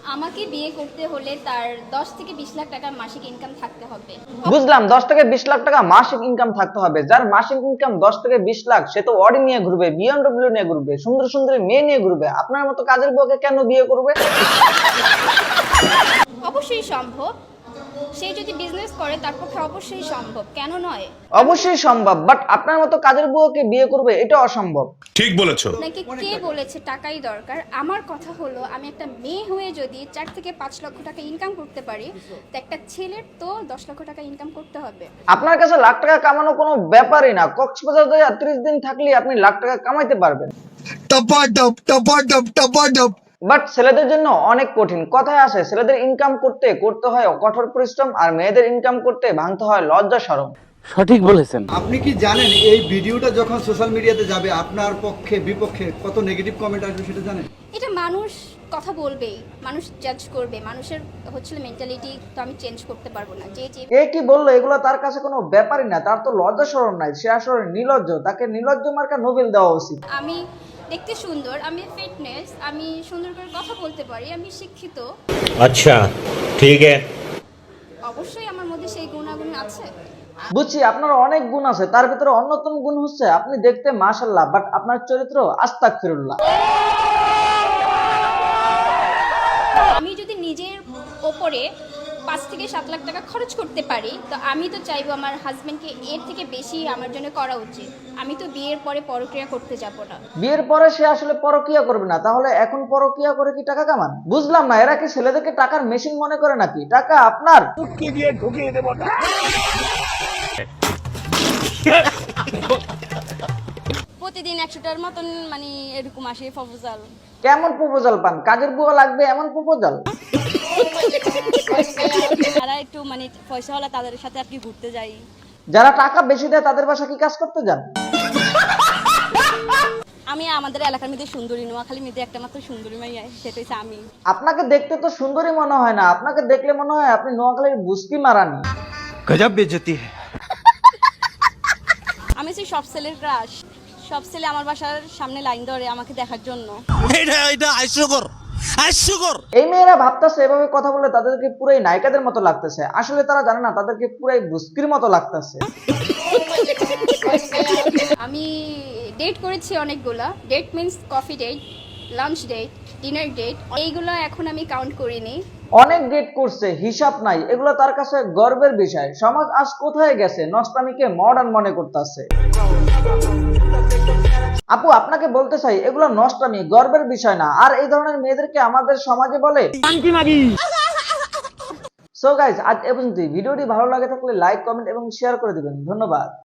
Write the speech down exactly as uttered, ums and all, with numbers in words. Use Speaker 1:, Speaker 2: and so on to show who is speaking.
Speaker 1: আমাকে বিয়ে করতে হলে তার দশ থেকে বিশ লাখ টাকা মাসিক ইনকাম থাকতে হবে।
Speaker 2: বুঝলাম, দশ থেকে বিশ লাখ টাকা মাসিক ইনকাম থাকতে হবে। যার মাসিক ইনকাম দশ থেকে বিশ লাখ সে তো অডি নিয়ে ঘুরবে, বিএমডব্লিউ নিয়ে ঘুরবে, সুন্দর সুন্দরী মেয়ে নিয়ে ঘুরবে। আপনার মতো কাজের বউকে কেন বিয়ে করবে?
Speaker 1: অবশ্যই সম্ভব। সে যদি বিজনেস করে তার পক্ষে অবশ্যই সম্ভব, কেন নয়?
Speaker 2: অবশ্যই সম্ভব, বাট আপনার মতো কাজের বউকে বিয়ে করবে এটা অসম্ভব।
Speaker 3: ঠিক বলেছো।
Speaker 1: নাকি কে বলেছে টাকাই দরকার? আমার কথা হলো, আমি একটা মেয়ে হয়ে যদি চার থেকে পাঁচ লক্ষ টাকা ইনকাম করতে পারি, তো একটা ছেলের তো দশ লক্ষ টাকা ইনকাম করতে হবে।
Speaker 2: আপনার কাছে লাখ টাকা কামানো কোনো ব্যাপারই না। কক্সবাজার যায় ত্রিশ দিন থাকলে আপনি লাখ টাকা কামাইতে পারবেন।
Speaker 4: टपाटप टपाटप टपाटप
Speaker 2: বাট ছেলেদের জন্য অনেক কঠিন। কথায় আছে, ছেলেদের ইনকাম করতে করতে হয় কঠোর পরিশ্রম, আর মেয়েদের ইনকাম করতে ভাঙতে হয় লজ্জা শরম।
Speaker 5: সঠিক বলেছেন।
Speaker 4: আপনি কি জানেন এই ভিডিওটা যখন সোশ্যাল মিডিয়াতে যাবে আপনার পক্ষে বিপক্ষে কত নেগেটিভ কমেন্ট আসবে সেটা জানেন?
Speaker 1: এটা মানুষ কথা বলবেই, মানুষ জাজ করবে, মানুষের হচ্ছিল মেন্টালিটি তো আমি চেঞ্জ করতে পারবো না। যে যে
Speaker 2: এ কি বললো, এগুলো তার কাছে কোনো ব্যাপারই না। তার তো লজ্জা শরম নাই, সে আসলে নির্লজ্জ। তাকে নির্লজ্জ মার্কা নোবেল দেওয়া উচিত।
Speaker 1: আমি দেখতে সুন্দর, আমি ফিটনেস, আমি সুন্দর করে কথা বলতে পারি, আমি শিক্ষিত।
Speaker 6: अच्छा ठीक है।
Speaker 1: অবশ্যই আমার মধ্যে সেই গুণাগুণ আছে।
Speaker 2: বুঝছি আপনার অনেক গুণ আছে, তার ভিতরে অন্যতম গুণ হচ্ছে আপনি দেখতে মাশাআল্লাহ, বাট আপনার চরিত্র আস্তাগফিরুল্লাহ।
Speaker 1: আমি যদি নিজের ওপরে পাঁচ থেকে সাত লাখ টাকা খরচ করতে পারি, তো আমি তো চাইবো আমার হাজবেন্ডকে এর থেকে বেশি আমার জন্য করা উচিত। আমি তো বিয়ের পরে পরক্রিয়া করতে যাব না।
Speaker 2: বিয়ের পরে সে আসলে পরকিয়া করবে না, তাহলে এখন পরকিয়া করে কি টাকা কামান? বুঝলাম না, এরা কি ছেলেদেরকে টাকার মেশিন মনে করে নাকি? টাকা আপনার।
Speaker 7: প্রতিদিন একশোটার মতন মানে এরকম আসে প্রপোজাল।
Speaker 2: কেমন প্রপোজাল পান? কাজের বুয়া লাগবে এমন প্রপোজাল?
Speaker 7: তারা একটু মানে পয়সা হলে তাদের সাথে আর কি ঘুরতে যাই।
Speaker 2: যারা টাকা বেশি দেয় তাদের বাসা কি কাজ করতে যান?
Speaker 7: আমি আমাদের এলাকার মধ্যে সুন্দরী, নোয়াখালীর মধ্যে একটা মাত্র সুন্দরী মাইয়া, সেটা হচ্ছে আমি।
Speaker 2: আপনাকে দেখতে তো সুন্দরী মনে হয় না, আপনাকে দেখলে মনে হয় আপনি নোয়াখালীর বুস্কি মারানি।
Speaker 4: गजब बेइज्जती है।
Speaker 7: আমি হচ্ছে সব ছেলের ক্রাশ। সব ছেলে আমার বাসার সামনে লাইন ধরে আমাকে দেখার জন্য।
Speaker 4: এটা এটা হাস্যকর হাস্যকর।
Speaker 2: এই মেয়েরা ভাবতেছে এভাবে কথা বলে তাদেরকে পুরাই নায়িকাদের মতো লাগতেছে, আসলে তারা জানে না তাদেরকে পুরাই বুস্কির মতো লাগতেছে।
Speaker 1: আমি ডেট করেছি অনেকগুলা। Date means coffee date, lunch date, dinner date, এইগুলো এখন আমি কাউন্ট করিনি।
Speaker 2: অনেক ডেট করছে, হিসাব নাই। এগুলো তার কাছে গর্বের বিষয়। সমাজ আজ কোথায় গেছে, নষ্টামিকে মডার্ন মনে করতেছে। আপু আপনাকে বলতে চাই, এগুলো নষ্টামি, গর্বের বিষয় না। আর এই ধরনের মেয়েদেরকে আমাদের সমাজে বলে সো গাইস, আজ এ পর্যন্তই। ভিডিওটি ভালো লাগে থাকলে লাইক, কমেন্ট এবং শেয়ার করে দিবেন। ধন্যবাদ।